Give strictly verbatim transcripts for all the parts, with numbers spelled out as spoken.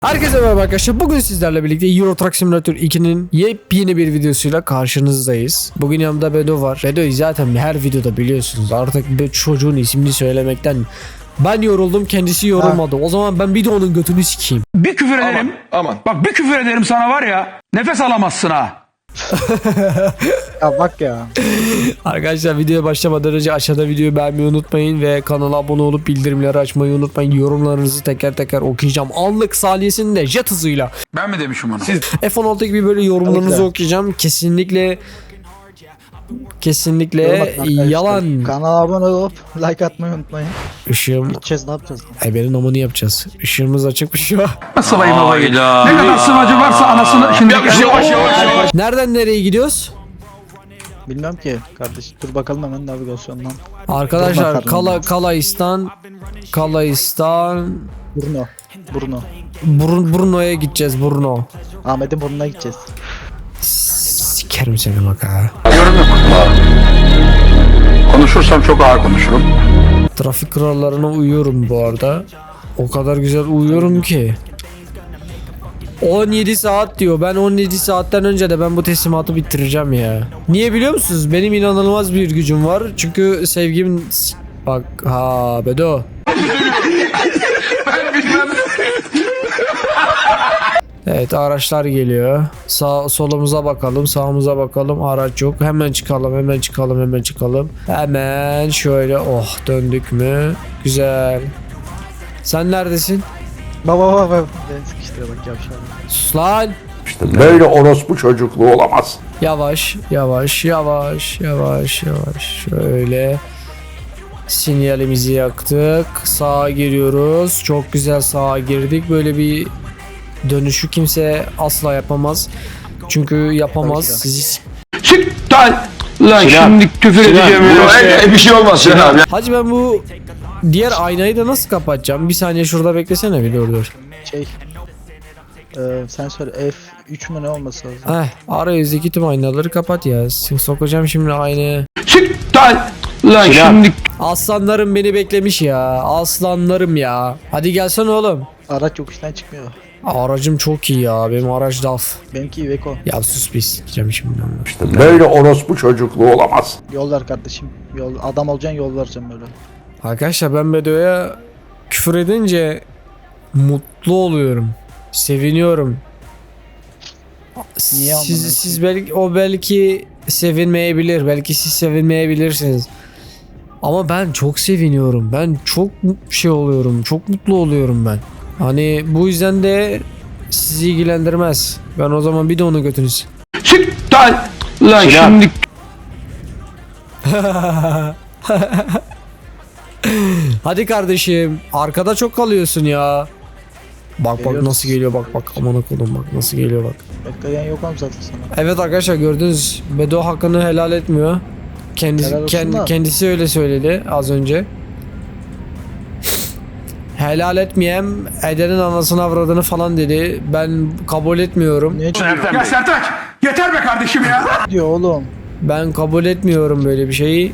Herkese merhaba arkadaşlar. Bugün sizlerle birlikte Euro Truck Simulator iki'nin yepyeni bir videosuyla karşınızdayız. Bugün yanımda Bedo var. Bedo'yu zaten her videoda biliyorsunuz. Artık bir çocuğun ismini söylemekten ben yoruldum, kendisi yorulmadı. Ha. O zaman ben bir de onun götünü sikeyim. Bir küfür ederim. Aman, aman. Bak bir küfür ederim sana var ya. Nefes alamazsın ha. Ya bak ya. Arkadaşlar videoya başlamadan önce aşağıda videoyu beğenmeyi unutmayın ve kanala abone olup bildirimleri açmayı unutmayın. Yorumlarınızı teker teker okuyacağım. Anlık saliyesinde jet hızıyla. Ben mi demişim onu? Siz... F on altı gibi böyle yorumlarınızı Kesinlikle. okuyacağım. Kesinlikle Kesinlikle yalan. Kanala abone olup like atmayı unutmayın. Işığım. Gideceğiz, ne yapacağız? Ebenin amını yapacağız. Işığımız açık bir şey var. Sıvayım babayı. Ne kadar sıvacı varsa anasını şimdi yavaş yavaş yavaş. Nereden nereye gidiyoruz? Bilmiyorum ki kardeş. Dur bakalım hemen navigasyondan. Arkadaşlar Durma Kala karnım. Kalaistan Kalaistan Bruno. Bruno. Brun, Brno'ya gideceğiz. Brno. Ahmet'in burnuna gideceğiz. Sikerim seni bak ha. Yorum yok. Konuşursam çok ağır konuşurum. Trafik kurallarına uyuyorum bu arada. O kadar güzel uyuyorum ki. on yedi saat diyor. Ben on yedi saatten önce de ben bu teslimatı bitireceğim ya. Niye biliyor musunuz? Benim inanılmaz bir gücüm var. Çünkü sevgim... Bak ha Bedo. Evet, araçlar geliyor. Sağ solumuza bakalım, sağımıza bakalım. Araç yok. Hemen çıkalım, hemen çıkalım, hemen çıkalım. Hemen şöyle, oh, döndük mü? Güzel. Sen neredesin? Baba baba baba. Beni sıkıştırıyor bak yavşağım. Sus lan. İşte böyle orospu çocukluğu olamaz. Yavaş, yavaş, yavaş, yavaş, yavaş. Şöyle. Sinyalimizi yaktık. Sağa giriyoruz. Çok güzel sağa girdik. Böyle bir dönüşü kimse asla yapamaz. Çünkü yapamaz. Sizi... Çık lan. Lan şimdi küfür edeceğim. Bir şey olmaz Sinan abi. Hacı ben bu diğer aynayı da nasıl kapatacağım? Bir saniye şurada beklesene bir, dur dur. Şey. Ee, sen söyle F üç mü ne olması lazım? Heh, arayüzdeki tüm aynaları kapat ya. Sokacağım şimdi aynaya. Çık lan. Lan şimdi. Aslanlarım beni beklemiş ya. Aslanlarım ya. Hadi gelsene oğlum. Araç yokuştan çıkmıyor. Aracım çok iyi ya. Benim araç daf. Benimki Iveco. Ya sus bir sikeceğim şimdi onu. İşte böyle orospu çocukluğu olamaz. Yol ver kardeşim. Yol, adam olacaksın, yol vereceğim böyle. Arkadaşlar ben Bedo'ya küfür edince mutlu oluyorum. Seviniyorum. Niye Siz, amına siz belki o belki sevinmeyebilir. Belki siz sevinmeyebilirsiniz. Ama ben çok seviniyorum. Ben çok şey oluyorum. Çok mutlu oluyorum ben. Hani bu yüzden de sizi ilgilendirmez. Ben o zaman bir de onu götünüz. Çık lan. Lan şimdi. Hadi kardeşim. Arkada çok kalıyorsun ya. Bak bak Geliyoruz. nasıl geliyor, bak bak aman okudum, bak nasıl geliyor bak. Bekleyen yok oğlum zaten sana. Evet arkadaşlar, gördünüz, Bedo hakkını helal etmiyor. Kendisi, Helal olsun kend- da. kendisi öyle söyledi az önce. Helal etmeyem, edenin anasını avradını falan dedi. Ben kabul etmiyorum. Niye çıkıyor Ya Sertaç yeter be kardeşim ya. diyor oğlum? Ben kabul etmiyorum böyle bir şeyi.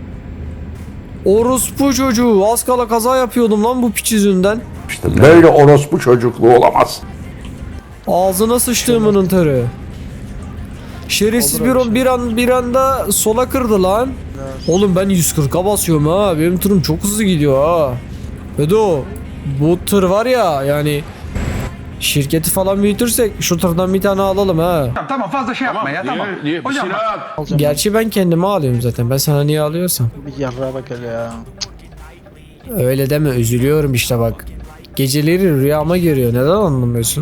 Orospu çocuğu, az kala kaza yapıyordum lan bu piç yüzünden. İşte böyle orospu çocukluğu olamaz. Ağzına sıçtığımının tırı. Şerefsiz Olur bir, öyle an, şey. bir an bir anda sola kırdı lan. Oğlum ben yüz kırka basıyorum ha. Benim tırım çok hızlı gidiyor ha. Bedo, bu tır var ya, yani şirketi falan büyütürsek şu tırdan bir tane alalım ha. Tamam fazla şey yapma ya tamam. Hocam bak. Alacağım. Gerçi ben kendime alıyorum zaten. Ben sana niye alıyorsam. Bir yarrağa bak hele ya. Öyle deme, üzülüyorum işte bak. Geceleri rüyama giriyor. Neden anlamıyorsun?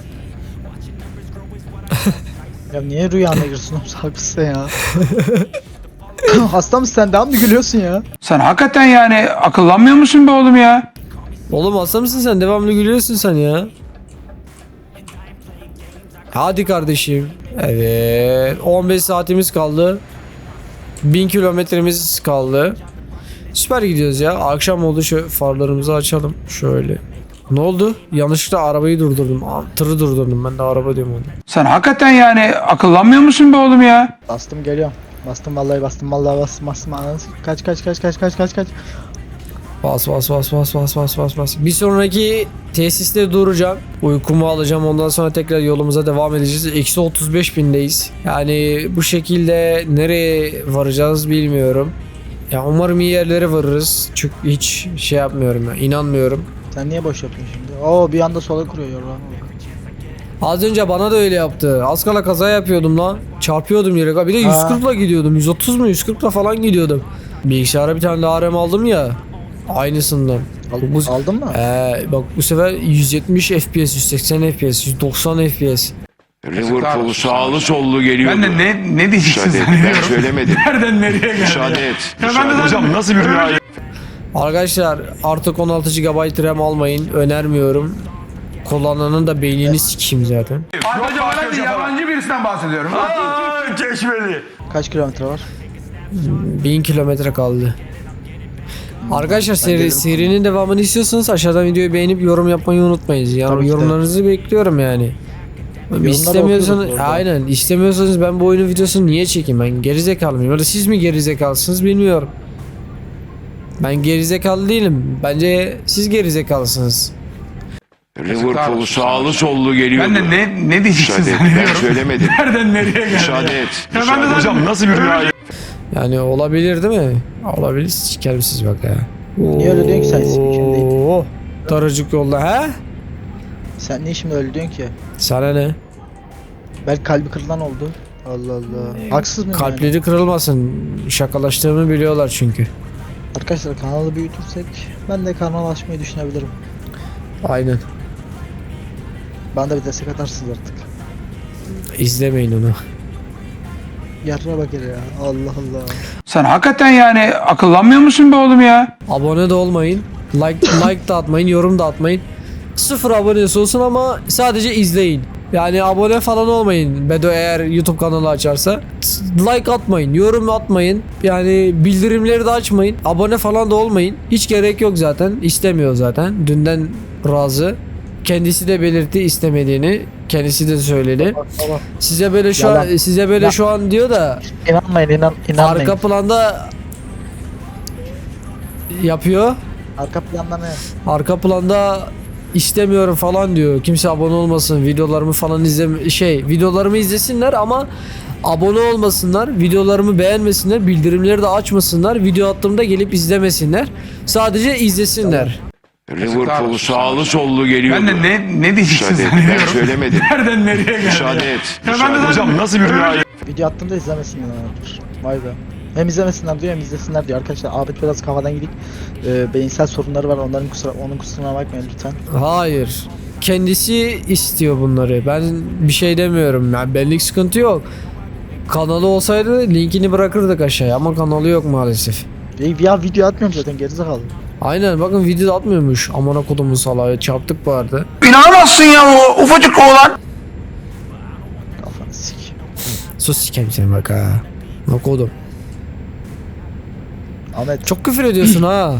Ya niye rüyana girsin oğlum, haklısın ya. Hasta mısın sen, daha mı gülüyorsun ya? Sen hakikaten yani akıllanmıyor musun be oğlum ya? Oğlum hasta mısın sen? Devamlı gülüyorsun sen ya. Hadi kardeşim. Evet. on beş saatimiz kaldı. bin kilometremiz kaldı. Süper gidiyoruz ya. Akşam oldu, şu farlarımızı açalım. Şöyle. Ne oldu? Yanlışlıkla arabayı durdurdum. Aa, tırı durdurdum, ben de araba diyorum onu. Sen hakikaten yani akıllanmıyor musun be oğlum ya? Bastım, geliyorum. Bastım vallahi, bastım vallahi, bastım bastım. Anasını- Kaç kaç kaç kaç kaç kaç kaç. Bas bas bas bas bas bas bas bas. Bir sonraki tesiste duracağım. Uykumu alacağım. Ondan sonra tekrar yolumuza devam edeceğiz. Eksi otuz beş bindeyiz. Yani bu şekilde nereye varacağız bilmiyorum. Ya umarım iyi yerlere varırız. Çünkü hiç şey yapmıyorum ya. İnanmıyorum. Sen niye boş yapıyorsun şimdi? Oo bir anda sola kuruyor yorulama bak. Az önce bana da öyle yaptı. Az kala kaza yapıyordum lan. Çarpıyordum yere. Bir de yüz kırkla gidiyordum. yüz otuz mu yüz kırkla falan gidiyordum. Bilgisayara bir tane daha R A M aldım ya. Aynısından. Al, Bu- aldın mı? Ee, bak bu sefer yüz yetmiş F P S, yüz seksen F P S, yüz doksan F P S. Liverpool sağlı sollu geliyor. Ben de ne ne diyeceksin zannediyorum. Ben söylemedim. Nereden nereye geldi? Müsaade et. Ya ben de hocam nasıl bir rüya? Arkadaşlar artık on altı gigabayt RAM almayın. Önermiyorum. Kullananın da beynini sikeyim zaten. Hocam ben de yabancı birisinden bahsediyorum. Aa, Çeşmeli. Kaç kilometre var? bin kilometre kaldı. Arkadaşlar seri, serinin devamını istiyorsanız aşağıdan videoyu beğenip yorum yapmayı unutmayın. Yani Tabii ki de. yorumlarınızı bekliyorum yani. İstemiyorsanız okuyoruz orada. aynen istemiyorsanız ben bu oyunun videosunu niye çekeyim, ben gerizekalı mıyım ya da siz mi gerizekalısınız bilmiyorum. Ben gerizekalı değilim. Bence siz gerizekalısınız. Liverpool sağlı sollu geliyor. Ben de ne ne diyeceksin zannediyorum. Ben söylemedim. Nereden nereye geldi? Müsaade et. Ya ben de hocam nasıl bir rüya? Yani olabilir değil mi? Olabilir. Sikerim siz bak ya. Niye öyle diyorsun ki sen ismi kim değil? Oo, daracık yolda he? Sen niye şimdi öyle diyorsun ki? Sana ne? Belki kalbi kırılan oldu. Allah Allah. Haksız mıyım yani? Kalpleri kırılmasın. Şakalaştığımı biliyorlar çünkü. Arkadaşlar kanalı büyütürsek ben de kanal açmayı düşünebilirim. Aynen. Bana da bir destek atarsınız artık. İzlemeyin onu. Yarına bak hele ya. Allah Allah. Sen hakikaten yani akıllanmıyor musun be oğlum ya? Abone de olmayın. Like like da atmayın, yorum da atmayın. Sıfır abonesi olsun ama sadece izleyin. Yani abone falan olmayın. Bedo eğer YouTube kanalı açarsa. Like atmayın, yorum atmayın. Yani bildirimleri de açmayın. Abone falan da olmayın. Hiç gerek yok zaten. İstemiyor zaten. Dünden razı. Kendisi de belirtti istemediğini. Kendisi de söyledi. Tamam. Size böyle şu Yalan. an size böyle Ya- şu an diyor da İnanmayın inan, inanmayın. arka Arka, planda yapıyor. Arka planda ne? Arka planda istemiyorum falan diyor. Kimse abone olmasın. Videolarımı falan izleme şey, videolarımı izlesinler ama abone olmasınlar. Videolarımı beğenmesinler. Bildirimleri de açmasınlar. Video attığımda gelip izlemesinler. Sadece izlesinler. Liverpool sağlı sollu geliyor. Ben de ne ne diyeceksin zannediyorum. Ben söylemedim. Nereden nereye geldi? Müsaade et. Ya ben de hocam nasıl bir rüya? Video attığımda izlemesinler. Vay be. Hem izlemesinler diyor hem izlesinler diyor. Arkadaşlar Ahmet biraz kafadan gidik. Ee, beyinsel sorunları var. Onların kusura, onun kusuruna bakmayın lütfen. Hayır. Kendisi istiyor bunları. Ben bir şey demiyorum. Yani benlik sıkıntı yok. Kanalı olsaydı linkini bırakırdık aşağıya ama kanalı yok maalesef. Ya, ya video atmıyorum zaten gerizekalı. Aynen bakın video atmıyormuş. Amına kodumun salağı çarptık bu arada. İnanamazsın ya o ufacık oğlan. Kafanı sik. Sus sikeyim seni bak ha. Ne kodum. Ahmet Çok küfür ediyorsun ha.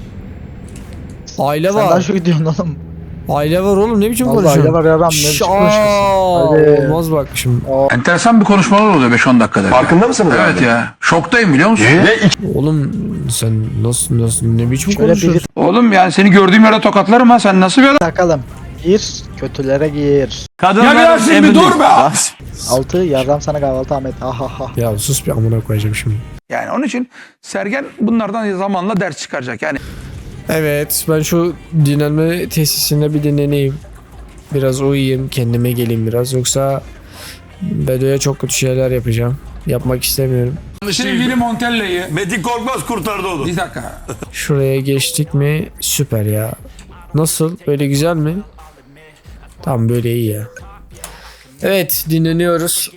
Aile sen daha var. çok gidiyorsun oğlum. Aile var oğlum ne biçim Vallahi konuşuyorsun? aile var ya, Ram, ne biçim Şşş, konuşuyorsun? aa, Hadi. olmaz bak şimdi. Enteresan bir konuşmalar oluyor beş on dakikada. Farkında mısınız? Evet ya. Şoktayım biliyor musun? Oğlum sen nasıl nasıl ne biçim Şöyle konuşuyorsun? bir Oğlum yani seni gördüğüm yere tokatlarım ha. Sen nasıl bir adam? takalım. Gir, kötülere gir. Ya biraz bir dur be. Altı, yardım sana kahvaltı Ahmet. Ha ha ha. Ya sus bir amına koyacağım şimdi. Yani onun için Sergen bunlardan zamanla ders çıkaracak. Yani Evet ben şu dinlenme tesisinde bir dinleneyim. Biraz uyuyayım kendime geleyim biraz yoksa Bedo'ya çok kötü şeyler yapacağım. Yapmak istemiyorum. sevgili Montella'yı Metin Korkmaz kurtardı onu. bir dakika. Şuraya geçtik mi süper ya. Nasıl? Böyle güzel mi? Tamam böyle iyi ya. Evet dinleniyoruz.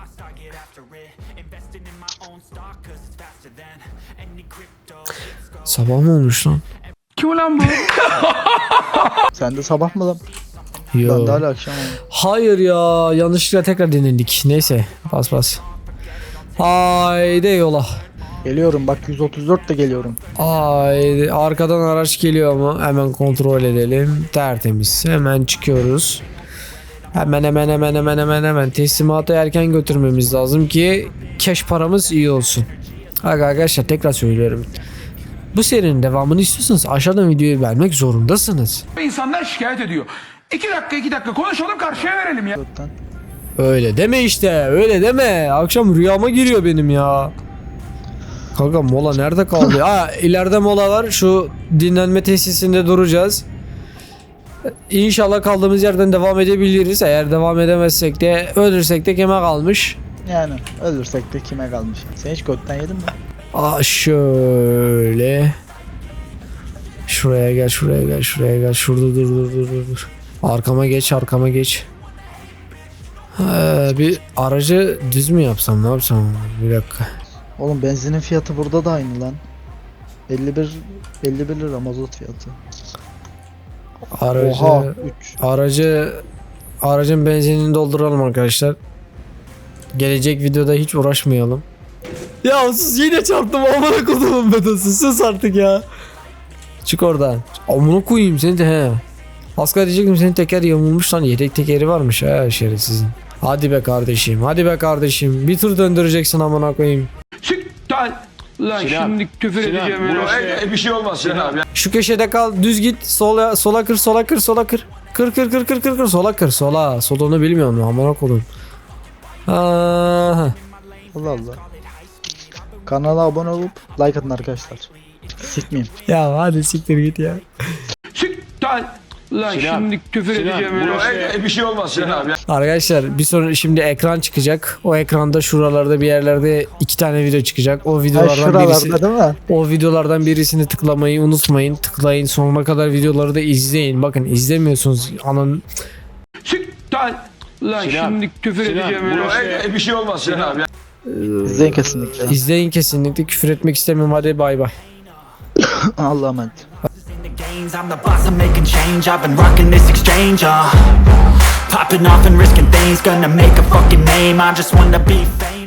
Sabah mı olmuş lan? Kim ulan bu? Sen de sabah mı lan? Yo. Ben de hala akşam oldu. Hayır ya yanlışlıkla tekrar dinlendik. Neyse bas bas. Haydi yola. Geliyorum bak yüz otuz dört de geliyorum. Haydi arkadan araç geliyor mu? Hemen kontrol edelim. Tertemiz. Hemen çıkıyoruz. Hemen hemen hemen hemen hemen hemen teslimatı erken götürmemiz lazım ki cash paramız iyi olsun. Arkadaşlar tekrar söylüyorum. Bu serinin devamını istiyorsanız aşağıdan videoyu beğenmek zorundasınız. İnsanlar şikayet ediyor. İki dakika iki dakika konuşalım karşıya verelim ya. Götten. Öyle deme işte, öyle deme. Akşam rüyama giriyor benim ya. Kanka mola nerede kaldı? Ha, ileride mola var. Şu dinlenme tesisinde duracağız. İnşallah kaldığımız yerden devam edebiliriz. Eğer devam edemezsek de, ölürsek de kime kalmış? Yani ölürsek de kime kalmış? Sen hiç götten yedin mi? Aa şöyle. Şuraya gel, şuraya gel, şuraya gel. Şurada dur, dur, dur, dur, dur. Arkama geç, arkama geç. Ee, bir aracı düz mü yapsam, ne yapsam? Bir dakika. Oğlum benzinin fiyatı burada da aynı lan. elli bir elli bir lira mazot fiyatı. Aracı, Oha üç. aracı, aracın benzinini dolduralım arkadaşlar. Gelecek videoda hiç uğraşmayalım. Ya sus, yine çarptım, amına kodumun bedası, sus artık ya. Çık oradan. Amına koyayım seni de he. Asgari diyecektim, senin teker yamulmuş lan, yedek tekeri varmış ha şerefsizin. Hadi be kardeşim, hadi be kardeşim. Bir tur döndüreceksin amına koyayım. Siktir. Lan Sinan, şimdi küfür Sinan, edeceğim. burası- öyle. E, bir şey olmaz Sinan abi. Şu köşede kal, düz git, sola sola kır, sola kır, sola kır. Kır kır kır kır kır kır, sola kır, sola. Solunu bilmiyorum amına koyayım. Aha. Allah Allah. Kanala abone olup like atın arkadaşlar. Sikmeyeyim. Ya hadi siktir git ya. Siktir. Lan Sinan, şimdi küfür Sinan, edeceğim. öyle. burası- E, bir şey olmaz Sinan abi. Arkadaşlar bir sonra şimdi ekran çıkacak. O ekranda şuralarda bir yerlerde iki tane video çıkacak. O Ay videolardan birisi, şuralarda değil mi? o videolardan birisini tıklamayı unutmayın. Tıklayın, sonuna kadar videoları da izleyin. Bakın izlemiyorsunuz. Anın Siktir. Lan Sinan, şimdi küfür Sinan, edeceğim. öyle. burası- E, bir şey olmaz Sinan abi. İzleyin kesinlikle. izleyin kesinlikle. Küfür etmek istemiyorum. Hadi bay bay. Allah'a emanet. games, I'm the boss, I'm making change. I've been rocking this exchange, uh Popping off and risking things, gonna make a fucking name. I just wanna be famous.